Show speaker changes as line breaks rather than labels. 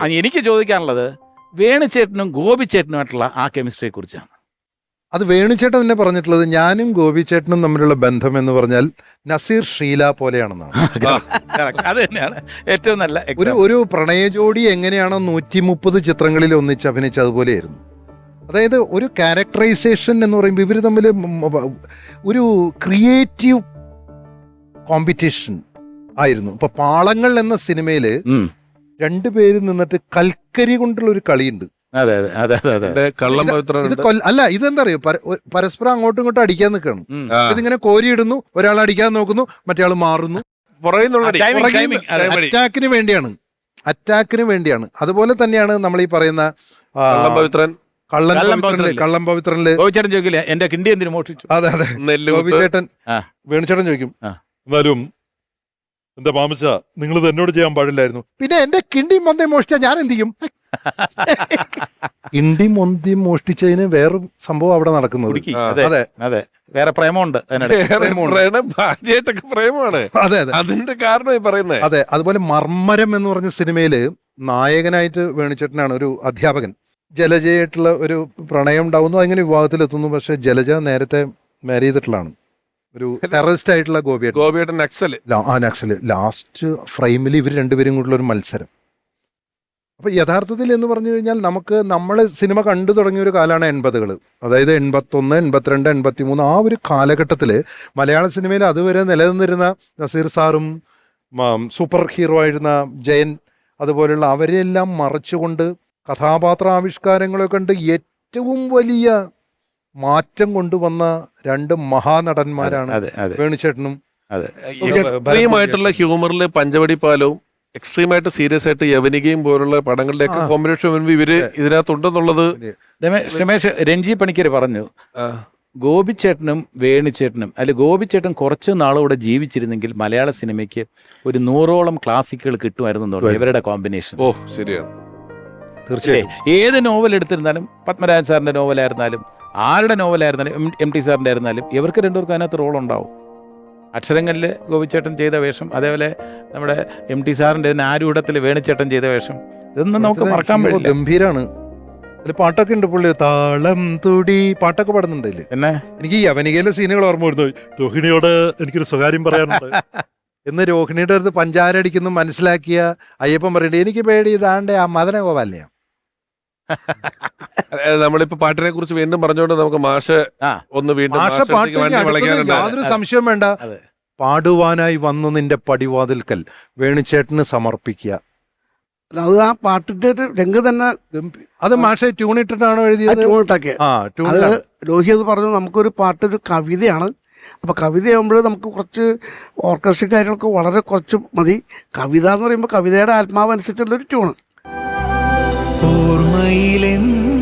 എനിക്ക് ചോദിക്കാനുള്ളത് വേണുചേട്ടനും ഗോപിച്ചേട്ടനുമായിട്ടുള്ള ആ കെമിസ്ട്രിയെ കുറിച്ചാണ്.
അത് വേണുചേട്ടൻ തന്നെ പറഞ്ഞിട്ടുള്ളത് ഞാനും ഗോപിച്ചേട്ടനും തമ്മിലുള്ള ബന്ധം എന്ന് പറഞ്ഞാൽ നസീർ ഷീല പോലെയാണെന്നാണ്.
അത് തന്നെയാണ് ഏറ്റവും നല്ല
ഒരു പ്രണയ ജോഡി എങ്ങനെയാണോ 130 ചിത്രങ്ങളിൽ ഒന്നിച്ച് അഭിനയിച്ച അതുപോലെയായിരുന്നു. അതായത് ഒരു ക്യാരക്ടറൈസേഷൻ എന്ന് പറയുമ്പോൾ ഇവർ തമ്മിൽ ഒരു ക്രിയേറ്റീവ് കോമ്പറ്റീഷൻ ആയിരുന്നു. ഇപ്പൊ പാളങ്ങൾ എന്ന സിനിമയിൽ രണ്ടുപേരും നിന്നിട്ട് കൽക്കരി കൊണ്ടുള്ള ഒരു കളിയുണ്ട്. അല്ല, ഇതെന്താ അറിയോ, പരസ്പരം അങ്ങോട്ടും ഇങ്ങോട്ടും അടിക്കാൻ നിൽക്കണം. ഇതിങ്ങനെ കോരിയിടുന്നു, ഒരാൾ അടിക്കാൻ നോക്കുന്നു, മറ്റേ മാറുന്നു. അറ്റാക്കിന് വേണ്ടിയാണ്. അതുപോലെ തന്നെയാണ് നമ്മൾ ഈ പറയുന്ന കള്ളം പവിത്രനില്
ചോദിക്കില്ല എന്റെ കിണ്ടി എന്തിനു മോഷ്ടിച്ചു.
അതെ അതെ, ഗോപിച്ചേട്ടൻ വേണുചേട്ടൻ ചോദിക്കും, എന്നാലും എന്താ മാമച്ച നിങ്ങൾ ഇത് എന്നോട് ചെയ്യാൻ പാടില്ലായിരുന്നു. പിന്നെ എന്റെ കിണ്ടി മൊന്തി മോഷ്ടിച്ചാൽ ഞാൻ എന്ത് ചെയ്യും? കിണ്ടി മൊന്തി മോഷ്ടിച്ചതിന് വേറൊരു സംഭവം അവിടെ നടക്കുന്നത്.
അതെ അതെ, വേറെ പ്രേമമുണ്ട്,
പ്രേമമാണ്.
അതെ അതെ,
അതിന്റെ കാരണം പറയുന്നത്.
അതെ, അതുപോലെ മർമ്മരം എന്ന് പറഞ്ഞ സിനിമയില് നായകനായിട്ട് വേണുചേട്ടനാണ് ഒരു അധ്യാപകൻ. ജലജയായിട്ടുള്ള ഒരു പ്രണയം ഉണ്ടാവുന്നു, അങ്ങനെ വിവാഹത്തിലെത്തുന്നു. പക്ഷെ ജലജ നേരത്തെ മാരി ചെയ്തിട്ടുള്ളതാണ്. ഒരു ടെററിസ്റ്റ് ആയിട്ടുള്ള ഗോപിയേട്ടൻ നക്സല്. ലാസ്റ്റ് ഫ്രെയിമിൽ ഇവർ രണ്ടുപേരും കൂടിയുള്ള ഒരു മത്സരം. അപ്പൊ യഥാർത്ഥത്തിൽ എന്ന് പറഞ്ഞു കഴിഞ്ഞാൽ നമ്മൾ സിനിമ കണ്ടു തുടങ്ങിയ ഒരു കാലമാണ് 80s. അതായത് 81, 82, 83 ആ ഒരു കാലഘട്ടത്തിൽ മലയാള സിനിമയിൽ അതുവരെ നിലനിന്നിരുന്ന നസീർ സാറും സൂപ്പർ ഹീറോ ആയിരുന്ന ജയൻ അതുപോലെയുള്ള അവരെല്ലാം മറച്ചുകൊണ്ട് കഥാപാത്രാവിഷ്കാരങ്ങളെ കണ്ട് ഏറ്റവും വലിയ മാറ്റം കൊണ്ടുവന്ന രണ്ട് മഹാനടന്മാരാണ് വേണുചേട്ടനും.
എക്സ്ട്രീമായിട്ടുള്ള ഹ്യൂമറിൽ പഞ്ചവടി പാലവും എക്സ്ട്രീമായിട്ട് സീരിയസ് ആയിട്ട് യവനികയും പോലുള്ള പടങ്ങളിലേക്ക് കോമ്പിനേഷൻ ഇവര് ഇതിനകത്തുണ്ടെന്നുള്ളത്
രമേശ് രഞ്ജി പണിക്കർ പറഞ്ഞു. ഗോപിച്ചേട്ടനും വേണുചേട്ടനും ഗോപിച്ചേട്ടൻ കുറച്ച് നാളുകൂടെ ജീവിച്ചിരുന്നെങ്കിൽ മലയാള സിനിമയ്ക്ക് ഒരു 100ഓളം ക്ലാസിക്കുകൾ കിട്ടുമായിരുന്നു ഇവരുടെ കോമ്പിനേഷൻ.
ഓ ശരിയാണ്,
തീർച്ചയായും.
ഏത് നോവൽ എടുത്തിരുന്നാലും, പത്മരാജൻ സാറിന്റെ നോവലായിരുന്നാലും ആരുടെ നോവലായിരുന്നാലും, MT സാറിന്റെ ആയിരുന്നാലും, ഇവർക്ക് രണ്ടുപേർക്കും അതിനകത്ത് റോൾ ഉണ്ടാവും. അക്ഷരങ്ങളിൽ ഗോപിച്ചേട്ടൻ ചെയ്ത വേഷം, അതേപോലെ നമ്മുടെ MT സാറിന്റെ ആരൂഢത്തിൽ വേണുചേട്ടൻ ചെയ്ത വേഷം, ഇതൊന്നും നമുക്ക് മറക്കാൻ പറ്റില്ല.
ഗംഭീരാണ്. അതിൽ പാട്ടൊക്കെ ഉണ്ട്, പുള്ളി താളം തുടി പാട്ടൊക്കെ പാടുന്നുണ്ട്.
എന്നെ എനിക്ക്
ഈ യവനികയിലെ സീനുകൾ ഓർമ്മ വരുന്നു. രോഹിണിയോട് എനിക്കൊരു സ്വകാര്യം പറയാനുണ്ട് എന്ന് രോഹിണിയുടെ അടുത്ത് പഞ്ചാര അടിക്കുന്നു മനസ്സിലാക്കിയ അയ്യപ്പൻ പറയണ്ടേ, എനിക്ക് പേടി ഇതാണ്ട് ആ മദന ഗോപാലിനെയാ.
നമ്മളിപ്പോ പാട്ടിനെ കുറിച്ച് വീണ്ടും പറഞ്ഞുകൊണ്ട് നമുക്ക് മാഷ് ഒന്ന് വീണ്ടും
യാതൊരു സംശയം വേണ്ട. പാടുവാനായി വന്നു നിന്റെ പടിവാതിൽക്കൽ വേണുചേട്ടന് സമർപ്പിക്കുക.
അത് ആ പാട്ടിന്റെ ഒരു രംഗ് തന്നെ.
അത് മാഷെ ട്യൂൺ ഇട്ടിട്ടാണോ എഴുതിയത്?
ട്യൂണിട്ടൊക്കെ രോഹി അത് പറഞ്ഞു, നമുക്കൊരു പാട്ടൊരു കവിതയാണ്. അപ്പോൾ കവിതയാകുമ്പോൾ നമുക്ക് കുറച്ച് ഓർക്കസ്ട്ര കാര്യങ്ങളൊക്കെ വളരെ കുറച്ച് മതി. കവിത എന്ന് പറയുമ്പോൾ കവിതയുടെ ആത്മാവ് അനുസരിച്ചുള്ളൊരു ട്യൂണ്.
ഓർമ്മയിലെന്നും